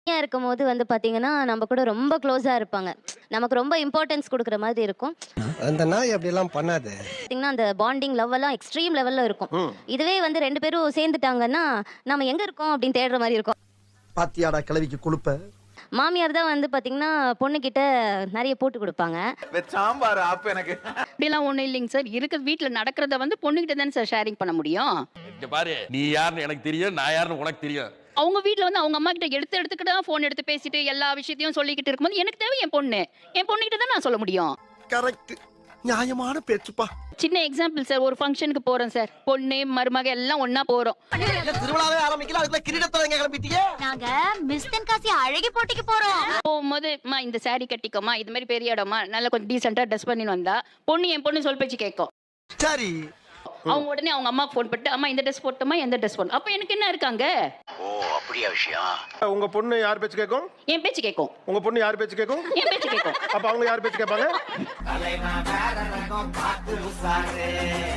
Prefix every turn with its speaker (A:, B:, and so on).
A: தனியா இருக்கும்போது வந்து பாத்தீங்கன்னா, நம்ம கூட ரொம்ப க்ளோஸா இருப்பாங்க. நமக்கு ரொம்ப இம்பார்ட்டன்ஸ் குடுக்குற மாதிரி இருக்கும்.
B: அந்த நாய் அப்படியெல்லாம் பண்ணாது.
A: பாத்தீங்கன்னா, அந்த பாண்டிங், லவ் எல்லாம் எக்ஸ்ட்ரீம் லெவல்ல இருக்கும். இதுவே வந்து 2 பேரும் சேர்ந்துட்டாங்கன்னா, நம்ம எங்க இருக்கோம் அப்படின்னு தேடுற மாரி இருக்கும்.
B: பாத்தியாடா கிளவிக்கு குளுப்ப.
A: மாமியார் தான் வந்து பாத்தீங்கன்னா, பொண்ணுகிட்ட நெறைய போட்டு குடுப்பாங்க.
C: சாம்பார் ஆப்பு எனக்கு.
D: அப்படிலாம் ஒண்ணும் இல்லைங்க சார். இருக்கிற வீட்ல நடக்கிறத வந்து பொண்ணுகிட்ட தானே சார் ஷேரிங் பண்ண முடியும்.
E: இங்க பாரு, நீ யாருன்னு எனக்கு தெரியும், நான் யாருன்னு உனக்கு தெரியும்.
D: அவங்க வீட்ல வந்து அவங்க அம்மா கிட்ட எடுத்துக்கிட்டு தான் ஃபோன் எடுத்து பேசிட்டு எல்லா விஷயத்தையும் சொல்லிக்கிட்டு இருக்கும்போது எனக்கு தேவை என் பொண்ணு. என் பொண்ணுகிட்ட தான் நான் சொல்ல முடியும்.
B: கரெக்ட். நியாயமான பேச்சுப்பா.
D: சின்ன எக்ஸாம்பிள் சார், ஒரு ஃபங்க்ஷனுக்கு போறோம் சார். பொண்ணு, மருமக எல்லாம் ஒண்ணா போறோம்.
B: திருவிழாவே ஆரம்பிக்கல அதுக்குள்ள கிரீடத்துல எங்க கிளம்பிட்டீங்க?
F: நாங்க மிஸ் தென்காசி அழகி போட்டிக்கு போறோம்.
D: போகும்போது அம்மா இந்த saree கட்டிக்கோமா, இது மாதிரி பெரிய இடமா, நல்லா கொஞ்சம் டீசெண்டா ட்ரெஸ் பண்ணி வந்தா பொண்ணு என் பொண்ணு சொல் பேச்சு கேட்கும்.
B: சரி.
D: அவங்க உடனே அவங்க அம்மா ஃபோன் பண்ணிட்டு அம்மா இந்த ட்ரெஸ் போட்டோமா, எந்த ட்ரெஸ் போடணும். அப்ப எனக்கு என்ன இருக்காங்க?
G: உங்க பொண்ணு யார் பேச்சு கேட்கும்?
D: என் பேச்சு கேட்கும்.
G: உங்க பொண்ணு யார் பேச்சு கேட்கும்?
D: என் பேச்சு கேட்கும்.
G: அப்ப அவங்க யார் பேச்சு கேட்பாங்க?